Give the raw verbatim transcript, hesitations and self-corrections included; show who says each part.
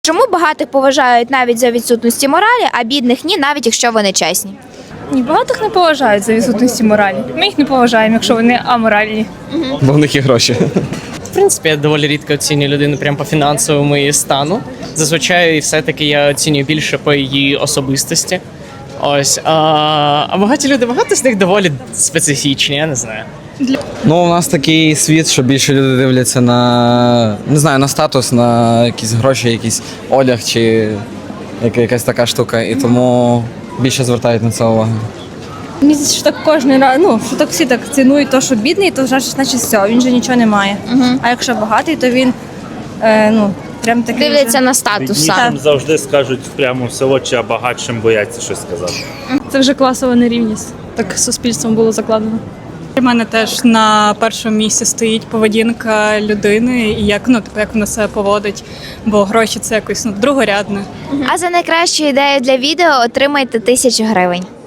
Speaker 1: Чому багатих поважають навіть за відсутності моралі, а бідних ні, навіть якщо вони чесні?
Speaker 2: Ні, багатих не поважають за відсутності моралі. Ми їх не поважаємо, якщо вони аморальні.
Speaker 3: Бо в них є гроші.
Speaker 4: В принципі, я доволі рідко оцінюю людину прямо по фінансовому її стану. Зазвичай все-таки я оцінюю більше по її особистості. Ось. А, а багаті люди, багато з них доволі специфічні, я не знаю.
Speaker 3: Ну, у нас такий світ, що більше люди дивляться на, не знаю, на статус, на якісь гроші, якийсь одяг чи яка- якась така штука. І тому більше звертають на це увагу.
Speaker 2: Мені здається, що так кожен раз, ну, що так всі так цінують то, що бідний, то значить, значить все, він же нічого не має. А якщо багатий, то він, е, ну, прям такий
Speaker 1: Дивляться
Speaker 2: вже-
Speaker 1: на статус сам.
Speaker 5: Біднішим завжди скажуть прямо в село, чи а багатшим бояться щось сказати.
Speaker 2: Це вже класова нерівність. Так суспільством було закладено.
Speaker 6: У мене теж на першому місці стоїть поведінка людини і як, ну, типу, як вона себе поводить, бо гроші це якось ну, другорядне.
Speaker 1: А за найкращу ідею для відео отримайте тисячу гривень.